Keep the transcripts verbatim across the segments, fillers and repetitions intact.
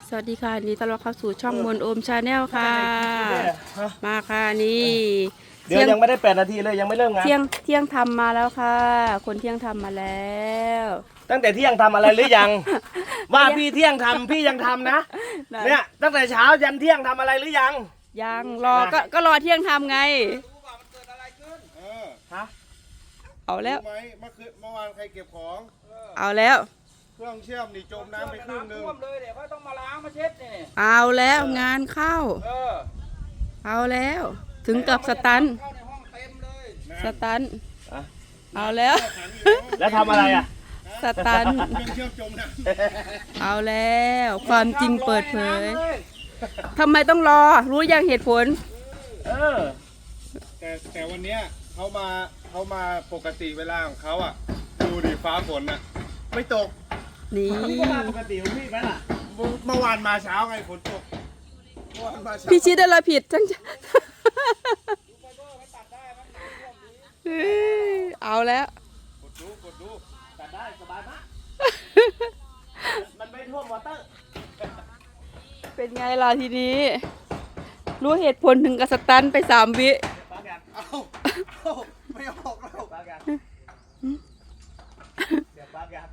สวัสดีค่ะนี่ต้อนรับเข้าสู่ช่องมนโอมชาแนลค่ะมาค่ะนี่เดี๋ยวยังไม่ได้แปดนาทีเลยยังไม่เริ่มงานเที่ยงเที่ยงทำมาแล้วค่ะคนเที่ยงทำมาแล้วตั้งแต่เที่ยงทำอะไรหรือยัง ว่าพี่เที่ยงทำพี่ยังทำนะเนี่ยตั้งแต่เช้ายันเที่ยงทำอะไรหรือยังยังรอก็ก็รอเที่ยงทำไงฮะเอาแล้วไหมเมื่อคืนเมื่อวานใครเก็บของเอาแล้วเครื่องเชื่อมนี่จมน้ำไปครึ่งนึงเลยเดี๋ยวเขาต้องมาล้างมาเช็ดนี่เอาแล้วงานเข้าเอาแล้วถึงกับสตันสตันเอาแล้วแล้วทำอะไรอ่ะสตันเครื่องเชื่อมจมน้ำเอาแล้วความจริงเปิดเผยทำไมต้องรอรู้ยังเหตุผลเออแต่แต่วันเนี้ยเขามาเขามาปกติเวลาของเขาอ่ะดูดิฟ้าฝนอ่ะไม่ตกนี่ปกติของพี่ไหมล่ะเมื่อวานมาเช้าไงฝนตกพี่ชี้ได้ละผิดจังเอาแล้วกดดูกดดูตัดได้สบายมากมันไม่ท่วมวอเตอร์เป็นไงล่ะทีนี้รู้เหตุผลถึงกับสตันไปสามวิเอาเอาไม่ออกแล้วปากกันเดี๋ยวปากกัน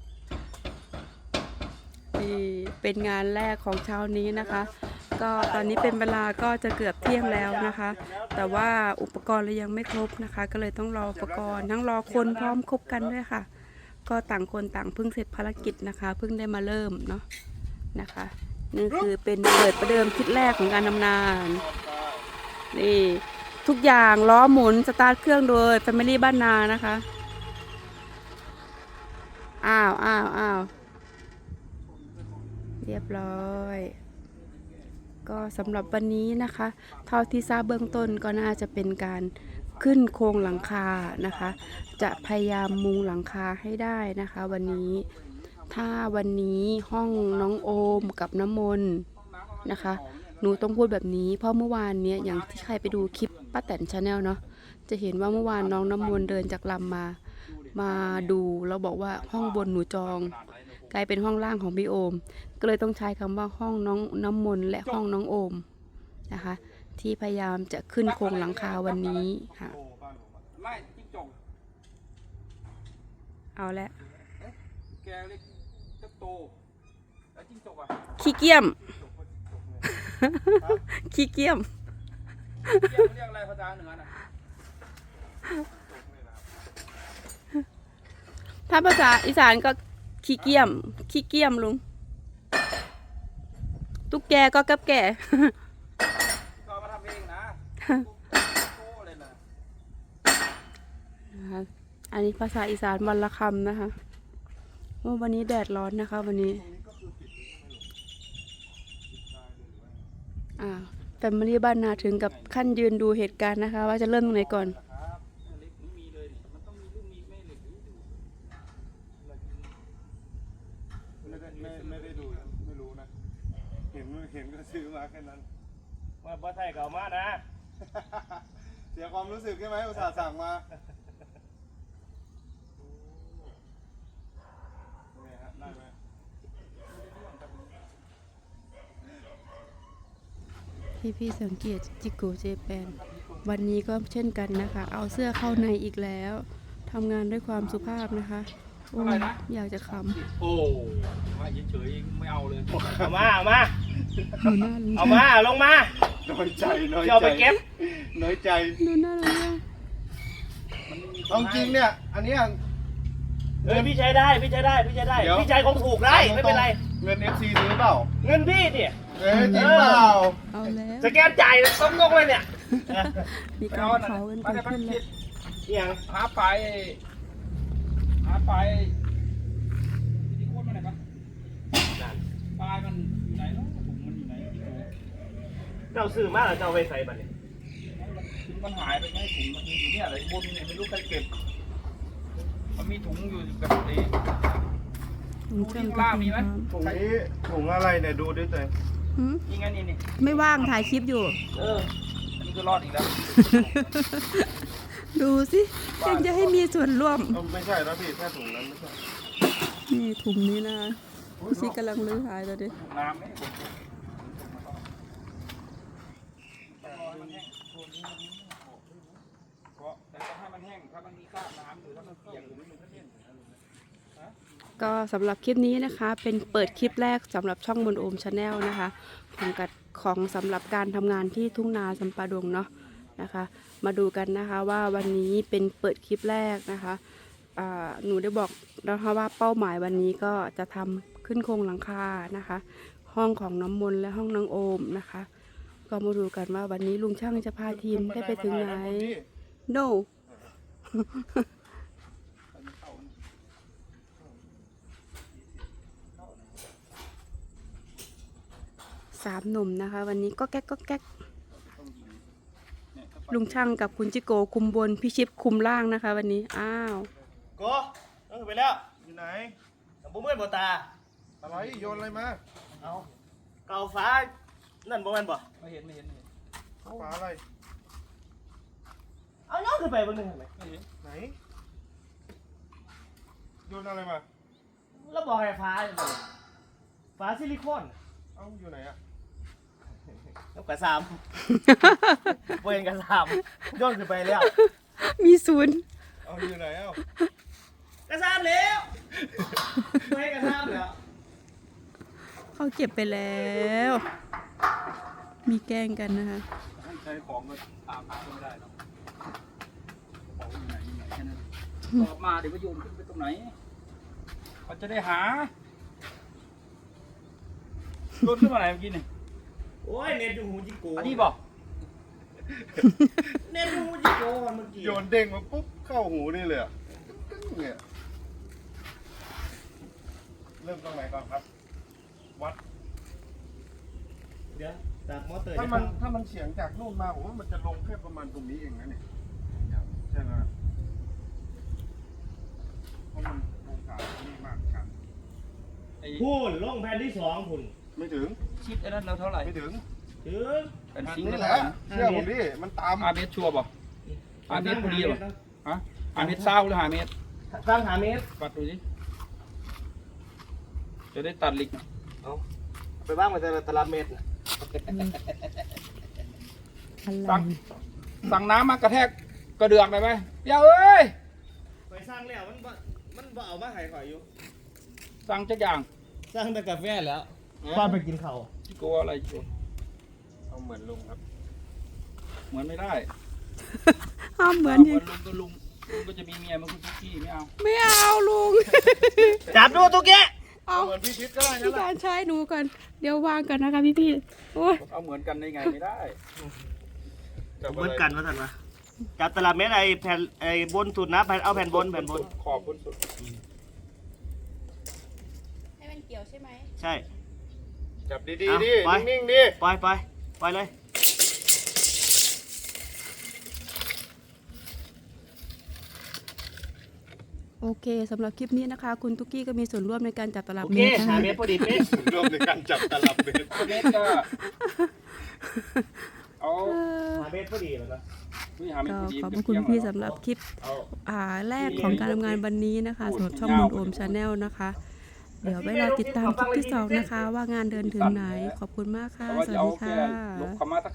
นี่เป็นงานแรกของเช้านี้นะคะก็ตอนนี้เป็นเวลาก็จะเกือบเที่ยงแล้วนะคะแต่ว่าอุปกรณ์เรายังไม่ครบนะคะก็เลยต้องรออุปกรณ์ทั้งรอคนพร้อมครบกันด้วยค่ะก็ต่างคนต่างเพิ่งเสร็จภารกิจนะคะเพิ่งได้มาเริ่มเนาะนะคะนี่คือเป็นเปิดประเดิมคลิปแรกของการทำงานนี่ทุกอย่างล้อหมุนสตาร์ทเครื่องโดย Family บ้านนานะคะอ้าวอ้าวอ้าวเรียบร้อยก็สำหรับวันนี้นะคะเท่าที่ทราบเบื้องต้นก็น่าจะเป็นการขึ้นโครงหลังคานะคะจะพยายามมุงหลังคาให้ได้นะคะวันนี้ถ้าวันนี้ห้องน้องโอมกับน้ำมนต์นะคะหนูต้องพูดแบบนี้เพราะเมื่อวานเนี้ยอย่างที่ใครไปดูคลิปป้าแตนชาแนลเนาะจะเห็นว่าเมื่อวานน้องน้ำมนต์เดินจากลำมามาดูแล้วบอกว่าห้องบนหนูจองกลายเป็นห้องล่างของพี่โอมก็เลยต้องใช้คำว่าห้องน้องน้ำมนต์และห้องน้องโอมนะคะที่พยายามจะขึ้นโครงหลังคาวันนี้ค่ะเอาละขี้เกียมขี้เกียมเรียกอะไรภาษาเหนือน่ะถ้าภาษาอีสานก็ขี้เกียมขี้เกียมลุงตุ๊กแกก็กับแกก็มาทำเองนะนะคะอันนี้ภาษาอีสานวันละคำนะคะว่าวันนี้แดดร้อนนะคะวันนี้อ่าแฟมิลี่บ้านนาถึงกับขั้นยืนดูเหตุการณ์นะคะว่าจะเริ่มตรงไหนก่อนไม่ได้ดูไม่รู้นะเห็นเห็นก็ซื้อมาแค่นั้นว่าบ่ไทยเก่ามานะเสียความรู้สึกใช่ไหมอุตส่าห์สั่งมาได้ไหมพี่พี่สังเกตจิโกเจแปนวันนี้ก็เช่นกันนะคะเอาเสื้อเข้าในอีกแล้วทำงานด้วยความสุภาพนะคะโอ้อยากจะขำโอ้มาเฉยๆไม่เอาเลยเอามาเอามาดูหน้าลุงเอามาลงมาน้อยใจน้อยใจเอาไปเก็บน้อยใจดูหน้าลุงเอาจริงเนี่ยอันนี้เออพี่ใช้ได้พี่ใช้ได้พี่ใช้ได้พี่ใช้ของถูกได้ไม่เป็นไรเงิน เอฟ ซี ซื้อเปล่าเงินพี่เนี่ยเออจริงเปล่าเอาแล้วสแกนจ่ายต้มงกเลยเนี่ยมีการเผากันเกิดขึ้นแล้วอย่างหาไปหาไปที่โคตรมันไหนปะปลายมันอยู่ไหนเนาะถุงมันอยู่ไหนเจ้าซื้อมาหรือเจ้าไปใส่บัตรเนี่ยมันหายไปไงถุงมันอยู่เนี่ยอะไรบนเนี่ยไม่รู้ใครเก็บมันมีถุงอยู่กับนี้ถุงเครื่องกระปุกน้ำถุงนี้ถุงอะไรเนี่ยดูด้วยตัวนี่ไงนี่นี่ไม่ว่างถ่ายคลิปอยู่เออนี่ก็รอดอีกแล้วดูสิยังจะให้มีส่วนร่วมไม่ใช่แล้วพี่แค่ถุงนั้นไม่ใช่นี่ถุงนี้นะพี่ชิดกำลังลื้อหายตอนนี้น้ำเนี่ยผมแต่ให้มันแห้งเพราะแต่ต้องให้มันแห้งถ้ามันมีคราบน้ำหรือถ้ามันเปียกหรือมันก็เลี่ยนก็สำหรับคลิปนี้นะคะ เป็นเปิดคลิปแรกสำหรับช่องมนโอมชาแนลนะคะของกัดของสำหรับการทำงานที่ทุ่งนาสัมปะดงเนาะนะคะ มาดูกันนะคะว่าวันนี้เป็นเปิดคลิปแรกนะคะอ่าหนูได้บอกนะคะว่าเป้าหมายวันนี้ก็จะทำขึ้นโครงหลังคานะคะ ห้องของน้ำมนต์และห้องนางโอมนะคะ ก็มาดูกันว่าวันนี้ลุงช่างจะพาทีมได้ไปถึงไหน no สามหนุ่มนะคะ วันนี้ก็แก๊กก็แก๊กลุงช่างกับคุณจิโกคุมบนพี่ชิปคุมล่างนะคะ วันนี้อ้าวโกเออไปแล้วอยู่ไหนแต่บ่เมื่อยบ่ตาอะไรโยนอะไรมาเอาเก่าฟ้า นั่นบ่แม่นบ่ไม่เห็นไม่เห็นไม่เห็นฝาอะไรเอาย้อนขึ้นไปเบิ่งหนึงเห็นไหมไม่เห็นไหนโยนอะไรมาแล้วบอกให้ฟ้าเลยบ่ฟ้าซิลิโคนเอ้าอยู่ไหนอะแล้วกระซาม บ่เห็นกระซามย้อนขึ้นไปแล้วมีศูนย์เอาอยู่ไหนเอ้ากระซามแล้วบ่เห็นกระซามแล้วเขาเก็บไปแล้ว มีแกล้งกันนะคะให้ใช้ของก็ตามหาก็ไม่ได้หรอกของอยู่ไหนอยู่ไหนแค่นั้นตอบมาเดี๋ยวก็โยนขึ้นไปตรงไหนเขาจะได้หาโยนขึ้นมาไหนเมื่อกี้นี่โอ้ยเน็ตอยู่หูจิโกอันนี้บอกเน็ตอยู่หูจิโกเมื่อกี้โยนเด้งมาปุ๊บเข้าหูนี่เลยอะกึ้งๆเนี่ยเริ่มตรงไหนก่อนครับ วัดเดี๋ยวจากมอเตอร์ถ้ามันถ้ามันเฉียงจากนู่นมาผมว่ามันจะลงแค่ประมาณตรงนี้เองนะเนี่ยใช่ไหมเพราะมันองศานี่มากกันไอ้พูนลงแผ่นที่สองพุ่นไม่ถึงชิดไอ้นั่นเราเท่าไหร่ไม่ถึงถึงเป็นซิงค์นี่เท่าแหไหร่ละนะเชื่อผมดิมันตามอาเมตรชัวร์บอกอาเมตรพอดีหรอฮะอาเมตรเศร้าหรืออาเมตรตั้งหาเมตรวัดดูสิจะได้ตัดเหลิกเอาไปบ้างมาแต่ละตารางเมตรน่ะอะไรสั่งสั่งน้ำมากระแทกกระเดือกได้ไหมเดี๋ยวเอ้ยไปสร้างแล้วมันบ่มันบ่เอามาให้ข่อยอยู่สั่งจักอย่างสร้างแต่กาแฟแล้วป้าไปกินข้าวที่กลัวอะไรอยู่เอาเหมือนลุงครับเหมือนไม่ได้ห้ามเหมือนเหยิมืงอนลุงก็ลุงลุงก็จะมีเมียเหมันคุณพี่ไม่เอาไม่เอาลุงจับดูตุ๊กแกเอาเหมือนพี่ชิดก็ได้นะพี่การใช้หนูก่อน เดี๋ยววางก่อนนะคะพี่พี่ๆโอ้ยเอาเหมือนกันได้ไงไม่ได้จับเหอะมือนไรกันว่าท่านวะจับตารางเมตรไอ้แผ่นไอ้บนสุดนะแผ่นเอาแผ่นบนแผ่นบนขอบบนสุดให้มันเกี่ยวใช่ไหมใช่จับดีเอาๆดิไปนิ่งๆดิปล่อยไปปล่อยเลยโอเคสำหรับคลิปนี้นะคะ คุณตุ๊กกี้ก็มีส่วนร่วมในการจับตลับโอเมเคตรนะหาคะเมตรพอดีเป๊ะร่วมในการจับตลับเมตรเมตรก็เอาเออหาเมตรพอดีแล้วนะวิหาเมตรก็พอดีขอบพระคุณพี่สำหรับคลิปเอาอ่าแรกของการทำงานวันนี้นะคะสำหรับช่องมนโอมชาแนลนะคะ เดี๋ยวไปรอติดตามคลิปที่สองนะคะ ว่างานเดินถึงไหน ขอบคุณมากค่ะแต่ว่าสจะวัสเอาดีแค่ค่ะลบคำมาตะ